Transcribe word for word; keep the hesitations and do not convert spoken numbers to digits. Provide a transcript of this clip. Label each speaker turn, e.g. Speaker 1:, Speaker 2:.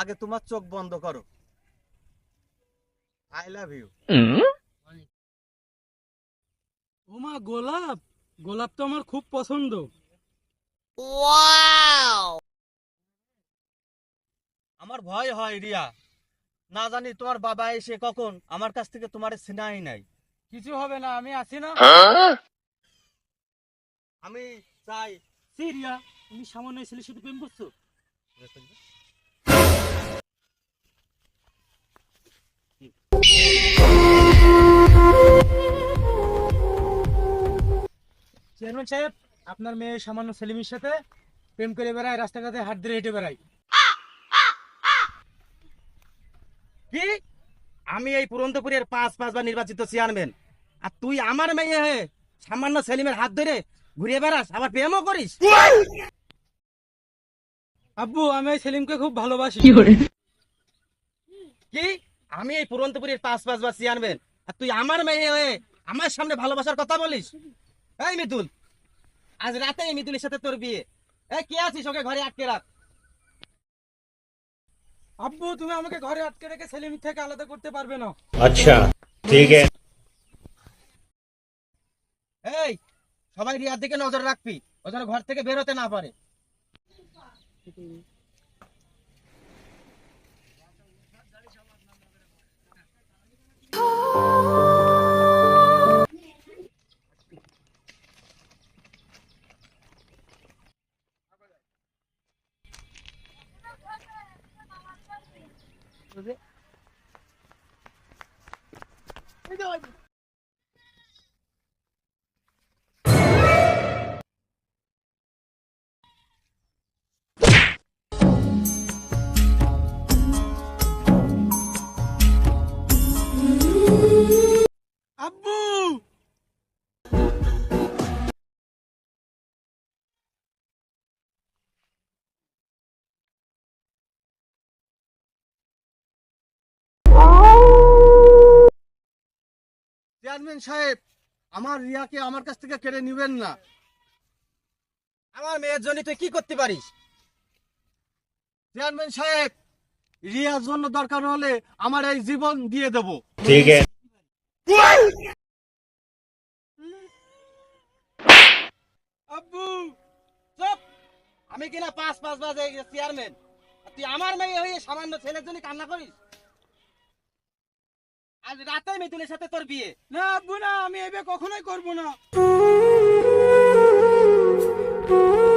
Speaker 1: আগে তোমার চোখ বন্ধ করো। I love you.
Speaker 2: ওমা গোলাপ, গোলাপ তো আমার খুব পছন্দ।
Speaker 1: আমার ভয় হয় রিয়া, না জানি তোমার বাবা এসে কখন আমার কাছ থেকে তোমার সিনাই নাই।
Speaker 2: কিছু হবে না, আমি আছি না।
Speaker 1: আমি চাই।
Speaker 2: সিরিয়া, তুমি সামান্য এই ছেলের সাথে প্রেম করছো? চেয়ারম্যান সাহেব, আপনার মেয়ে সামান্য সেলিমের সাথে প্রেম করে বেড়ায়, রাস্তাঘাটে হাত ধরে হেঁটে বেড়ায়।
Speaker 1: কি? আমি এই পুরন্দপুরের পাঁচ পাঁচবার নির্বাচিত চেয়ারম্যান, আর তুই আমার মেয়ে হয়ে সামান্য সেলিমের হাত ধরে ঘুরে বেড়াস, আবার প্রেমও করিস?
Speaker 2: আব্বু, আমি এই সেলিমকে খুব ভালোবাসি।
Speaker 1: কি? আমি এই পুরন্দপুরের পাঁচ পাঁচবার চেয়ারম্যান, আর তুই আমার মেয়ে হয়ে আমার সামনে ভালোবাসার কথা বলিস? এই মিতুল, আজ রাতে এই মিতুলের সাথে তোর বিয়ে। এই কে আছিস, ওকে ঘরে আটকে রাখ।
Speaker 2: আব্বু, তুমি আমাকে ঘরে আটকে রেখে সেলিম থেকে আলাদা করতে পারবে না।
Speaker 3: अच्छा ठीक है।
Speaker 1: এই, সবাই রিয়ার দিকে নজর রাখবি, ও যেন ঘর থেকে বের হতে না পারে।
Speaker 2: আব্বু,
Speaker 1: চেয়ারম্যান সাহেব, আমার রিয়াকে আমার কাছ থেকে কেড়ে নিবেন না। আমার মেয়ের জন্য তুই কি করতে পারিস? চেয়ারম্যান সাহেব, রিয়ার জন্য দরকার হলে আমার এই জীবন দিয়ে দেব।
Speaker 3: ठीक है।
Speaker 2: আব্বু,
Speaker 1: চুপ! আমি কিনা পাঁচ পাঁচ বাজে চেয়ারম্যান, আর তুই আমার মেয়ে হয়ে সামান্য ছেলের জন্য কান্না করিস? আজ রাতে মিতুলের সাথে তোর বিয়ে।
Speaker 2: না আব্বু না, আমি এই বিয়ে কখনোই করবো না।